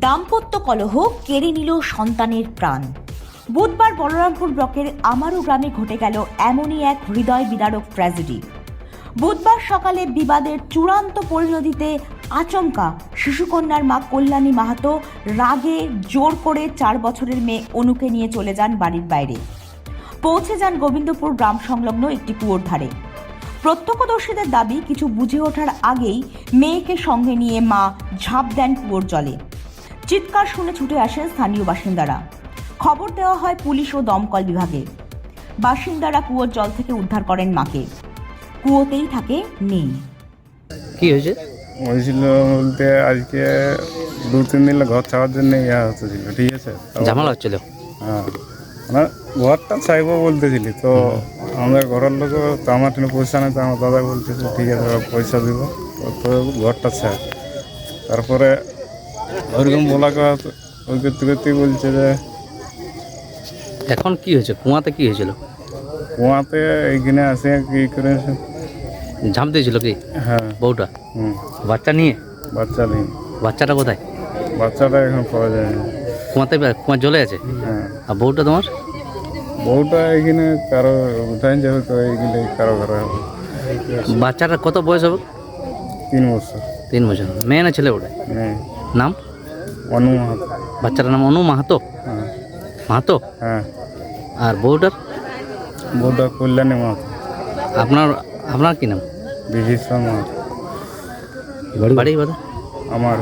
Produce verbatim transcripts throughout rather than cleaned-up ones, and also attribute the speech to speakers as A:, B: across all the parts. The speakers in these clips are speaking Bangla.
A: দাম্পত্য কলহ কেড়ে নিল সন্তানের প্রাণ। বুধবার বলরামপুর ব্লকের আমারু গ্রামে ঘটে গেল এমনই এক হৃদয় বিদারক ট্র্যাজেডি। বুধবার সকালে বিবাদের চূড়ান্ত পরিণতিতে আচমকা শিশুকন্যার মা কল্যাণী মাহাতো রাগে জোর করে চার বছরের মেয়ে অনুকে নিয়ে চলে যান বাড়ির বাইরে। পৌঁছে যান গোবিন্দপুর গ্রাম সংলগ্ন একটি কুয়োর ধারে। প্রত্যক্ষদর্শীদের দাবি, কিছু বুঝে ওঠার আগেই মেয়েকে সঙ্গে নিয়ে মা ঝাঁপ দেন কুয়োর জলে। চিৎকার শুনে ছুটে আসেন স্থানীয় বাসিন্দারা। খবর দেওয়া হয় পুলিশ ও দমকল বিভাগে। বাসিন্দারা কুয়োর জল থেকে উদ্ধার করেন মাকে। কুয়োতেই থাকে মেয়ে।
B: কি হয়েছে?
C: হয়েছিল বলতে আজকে দু তিন দিন ঘর ছাড়ার জন্য ইয়া হচ্ছিল, ঠিক আছে,
B: ঝামেলা হচ্ছিল।
C: হ্যাঁ, মানে ঘরটা চাইবো বলতেছিলি তো আমাদের ঘরের লোক, তো আমার কোনো পয়সা নেই, তো আমার দাদা বলতেছিল ঠিক আছে পয়সা দিব তো ঘরটা চাই। তারপরে ওইরকম বলা কথা ওই করতে করতেই বলছে যে
B: এখন কি হয়েছে? কুয়াতে কি হয়েছিল?
C: কুয়াতে এইখানে আসে কি করে
B: ঝাঁপ দিয়েছিল কি?
C: হ্যাঁ।
B: বউটা?
C: হুম।
B: বাচ্চা নিয়ে?
C: বাচ্চা নেই।
B: বাচ্চাটা কোথায়?
C: বাচ্চাটা এখন পাওয়া যায় না।
B: কুয়াতে? কুয়া জলে আছে?
C: হ্যাঁ।
B: আর বউটা তোমার?
C: বউটা এখানে কারো উঠাই যাবে, তো এইগুলো কারো ঘরে হবে।
B: বাচ্চাটা কত বয়স হবে?
C: তিন বছর।
B: তিন বছর। মেয়ে না ছেলে ওটা?
C: মেয়ে।
B: নাম?
C: অনু মাহাতো।
B: বাচ্চাটার নাম অনু মাহাতো?
C: হ্যাঁ।
B: মাহাতো?
C: হ্যাঁ।
B: আর বউটার?
C: বউটা কল্যাণী মাহাতো।
B: আপনার আপনার কি নাম?
C: বিভীষণ মাহাতো।
B: বাড়ি বাড়ি
C: আমার।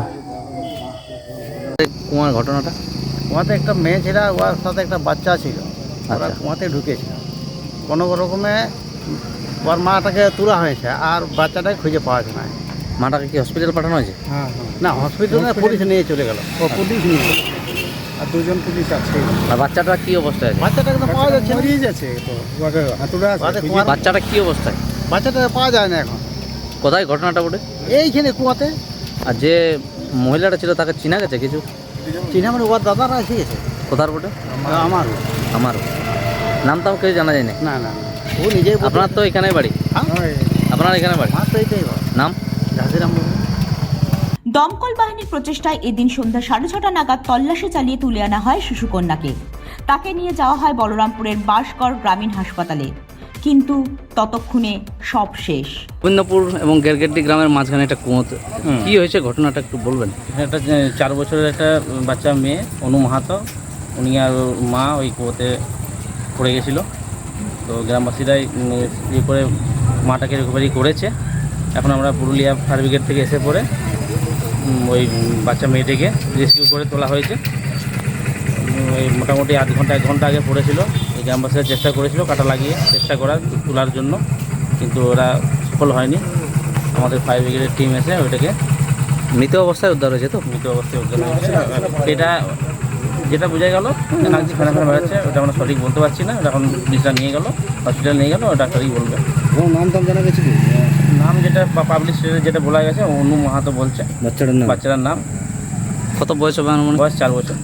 B: কুয়ার ঘটনাটা?
D: কুয়াতে একটা মেয়ে ছিল, ওর সাথে একটা বাচ্চা ছিল। ওরা
B: আচ্ছা।
D: কুয়াতে ঢুকেছিল, কোনো রকমে ওর মাটাকে তোলা হয়েছে আর বাচ্চাটাকে খুঁজে পাওয়া যায় না।
B: মাটাকে কি হসপিটাল পাঠানো হয়েছে?
D: হ্যাঁ হ্যাঁ না, হসপিটালে পুলিশ নিয়ে চলে গেল। ও পুলিশ নিয়ে গেল, আর দুজন পুলিশ আছে।
B: আর বাচ্চাটা কি অবস্থায় আছে?
D: বাচ্চাটাকে তো পাওয়া যাচ্ছে না।
C: মরিয়ে যাচ্ছে তো, হাতুড়া
D: বাচ্চা কুয়া-
B: বাচ্চাটা কি অবস্থায়?
D: বাচ্চাটাকে পাওয়া যায় না এখন।
B: কোথায় ঘটনাটা ওঠে?
D: এইখানে কুয়াতে।
B: আর যে মহিলাটা ছিল তাকে চিনা গেছে কিছু?
D: চিনা মানে ওর দাদারা এসে গেছে।
B: কোথার বটে?
D: আমার
B: আমার নাম তাও কেউ জানা যায় না।
D: না না, ও নিজেই বলছে।
B: আপনার তো এখানে বাড়ি?
D: হ্যাঁ,
B: আপনার এখানে বাড়ি?
D: আমার তো এইটাই বল।
B: নাম?
D: ঝাঁসিরাম বাবু।
A: দমকল বাহিনীর প্রচেষ্টায় এদিন সন্ধ্যা সাড়ে ছটা নাগাদ তল্লাশি চালিয়ে তুলে আনা হয় শিশুকন্যাকে। তাকে নিয়ে যাওয়া হয় বলরামপুরের বাঁশগড় গ্রামীণ হাসপাতালে, কিন্তু ততক্ষণে সব শেষ।
B: গোবিন্দপুর এবং গেরগেড্ডি গ্রামের মাঝখানে একটা কুয়োতে কি হয়েছে ঘটনাটা একটু বলবেন?
E: একটা চার বছরের একটা বাচ্চা মেয়ে অনু মাহাতো, উনি আর ওর মা ওই কুয়োতে পড়ে গেছিলো। তো গ্রামবাসীরাই ইয়ে করে মাটাকে রিকভারি করেছে। এখন আমরা পুরুলিয়া ফায়ার ব্রিগেড থেকে এসে পড়ে ওই বাচ্চা মেয়েটিকে রেস্কিউ করে তোলা হয়েছে। ওই মোটামুটি আধ ঘন্টা এক ঘন্টা আগে পড়েছিল। এই গ্রামবাসীরা চেষ্টা করেছিল কাটা লাগিয়ে চেষ্টা করার তোলার জন্য, কিন্তু ওরা সফল হয়নি। আমাদের ফায়ার ব্রিগেডের টিম এসে ওইটাকে
B: মৃত অবস্থায় উদ্ধার হয়েছে। তো
E: মৃত অবস্থায় উদ্ধার হয়েছে। এটা যেটা বোঝা গেল নাকি ফেনা ফেনা বেড়াচ্ছে, ওটা আমরা সঠিক বলতে পারছি না। ওটা এখন পুলিশরা নিয়ে গেল, হসপিটাল নিয়ে গেল, ডাক্তারই বলবে।
D: নাম টাম জানা গেছে কি?
E: নাম যেটা পাবলিশ যেটা বলা গেছে অনু মাহাতো বলছে
B: বাচ্চাটার নাম?
E: বাচ্চাটার নাম।
B: কত বয়স হবে আমার?
E: বয়স চার বছর।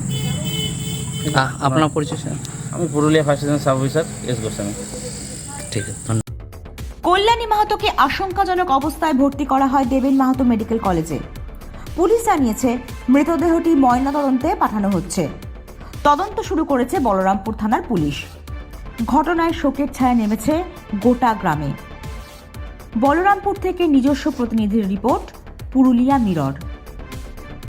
B: আপনার পরিচয় স্যার?
E: আমি Purulia fire station sub officer S Goswami.
B: ঠিক আছে, ধন্যবাদ।
A: কল্যাণী মাহাতোকে আশঙ্কাজনক অবস্থায় ভর্তি করা হয় দেবেন মাহাতো মেডিকেল কলেজে। পুলিশ জানিয়েছে মৃতদেহটি ময়নাতদন্তে পাঠানো হচ্ছে। তদন্ত শুরু করেছে বলরামপুর থানার পুলিশ। ঘটনায় শোকের ছায়া নেমেছে গোটা গ্রামে। বলরামপুর থেকে নিজস্ব প্রতিনিধির রিপোর্ট, পুরুলিয়া মিরর।